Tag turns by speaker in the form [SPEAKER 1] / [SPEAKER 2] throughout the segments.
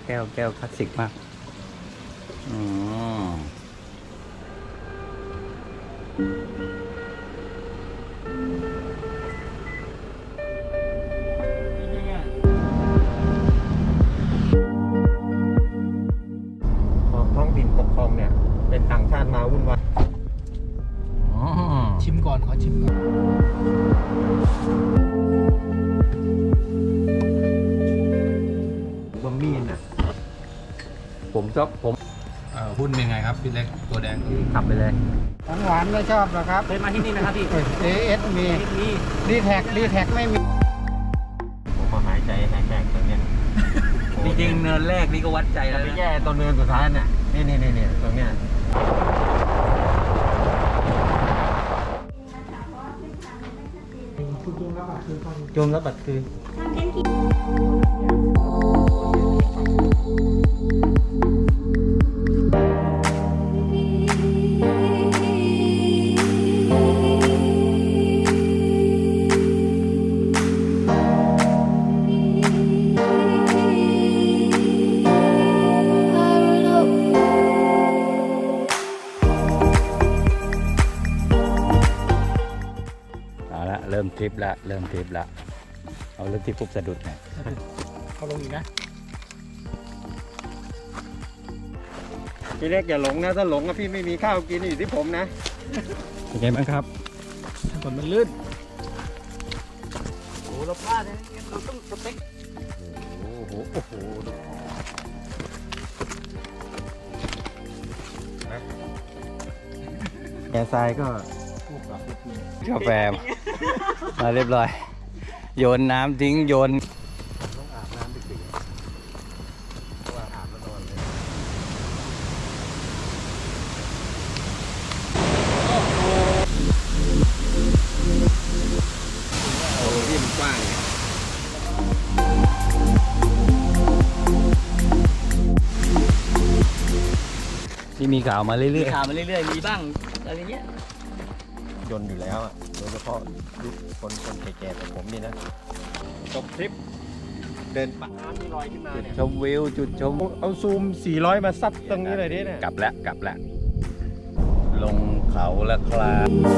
[SPEAKER 1] แก้วคลาสสิกมากอืม
[SPEAKER 2] ท้องถิ่นปกครองเนี่ยเป็นต่างชาติมาวุ่นวาย
[SPEAKER 3] ชิมก่อนขอชิมก่อน
[SPEAKER 2] บะหมี่น่ะผมชอบผม
[SPEAKER 3] หุ้นเป็นไงครับพี่เล็กตัวแดง
[SPEAKER 1] ขับไปเลย
[SPEAKER 4] หวานไม่ชอบหรอครับ
[SPEAKER 1] เคยมาที่นี่นะครับพี่
[SPEAKER 4] AS มีดีแท็กไม่มี
[SPEAKER 2] ผมมาหายใจหายแตกตรงเนี้ย
[SPEAKER 1] จริงๆเนินแรกนี่ก็วัดใจแล้ว
[SPEAKER 2] ไป
[SPEAKER 1] นะ
[SPEAKER 2] แย่ตอนเนินสุดท้ายน่ะนี่ตรงเนี้ย
[SPEAKER 1] จมแล้วบัดคือเอาละเริ่มทริปละเอาเริ่มทริปปุ๊บสะดุดไง
[SPEAKER 3] เขาลงอีกนะ
[SPEAKER 2] พี่เล็กอย่าหลงนะถ้าหลงอะพี่ไม่มีข้าวกินอยู่ที่ผมนะ
[SPEAKER 1] เป็นไงบ้างครับ
[SPEAKER 3] ถนนมันลื่น
[SPEAKER 1] โอ้เราพลาดเราต้องสเต็ก
[SPEAKER 2] โอ้โหแอร์ทรายก็
[SPEAKER 1] กาแฟมาเรียบร้อย โยนน้ำทิ้งโยน
[SPEAKER 2] ต้องอาบน้ำดึกๆเพราะว่าอาบแล้วนอนเลยโอ้ที่มันกว้างเนี่ย
[SPEAKER 1] ที่มีข่าวมาเรื่
[SPEAKER 5] มี
[SPEAKER 1] อย
[SPEAKER 5] ข่าวมาเรื่อยๆ มีบ้างอะไรเงี้ย
[SPEAKER 2] ยนต์อยู่แล้วอ่ะโดยเฉพาะยุคคนแก่ๆแบบผมนี่นะจบทริปเดินปะน้ำมีรอยขึ้นมาเนี่ย
[SPEAKER 1] ๆชมวิวจุดชม
[SPEAKER 2] เอาซูม 400 มาซัดตรงนี้เลยดิเนี่ย
[SPEAKER 1] กลับแล้วลงเขาแล้วครับ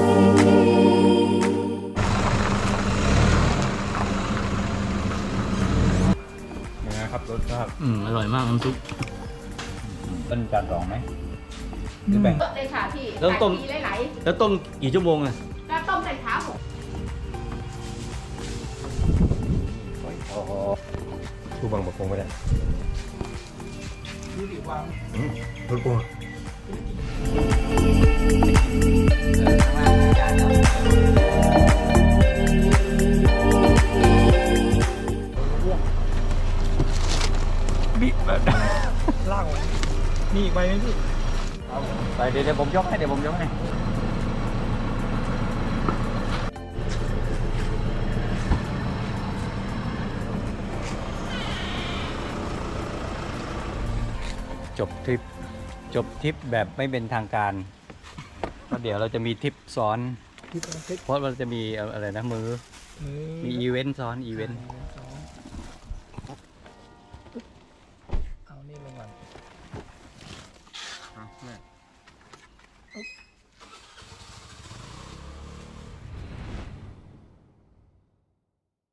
[SPEAKER 2] ยังไงครับรสชาติ
[SPEAKER 5] อร่อยมากน้ำซุป
[SPEAKER 1] ต้นจานสองไหมหรือแบ่ง
[SPEAKER 6] เลยค่ะพี่
[SPEAKER 5] แล้วต้ม
[SPEAKER 6] ขายดีไหล
[SPEAKER 5] แล้วต้มกี่ชั่วโมงอะ
[SPEAKER 6] ๆแล้วต้มใส่ขาผม
[SPEAKER 2] ทูบังบะคงไม่ได้
[SPEAKER 3] ดูดิวาง
[SPEAKER 2] รสบัวบิดแบบ
[SPEAKER 3] ล่างไว้มีอีกใบไหมพี่
[SPEAKER 1] ไปเดี๋ยวผมยกให้จบทริปแบบไม่เป็นทางการเพราะเดี๋ยวเราจะมีทริปซ้อน
[SPEAKER 3] พี่ต้องเช็ค
[SPEAKER 1] เพราะเราจะมีอะไรนะมีอีเวนต์ซ้อนอีเวนต์
[SPEAKER 3] เอานี่ลงก่อน
[SPEAKER 2] อ่ะ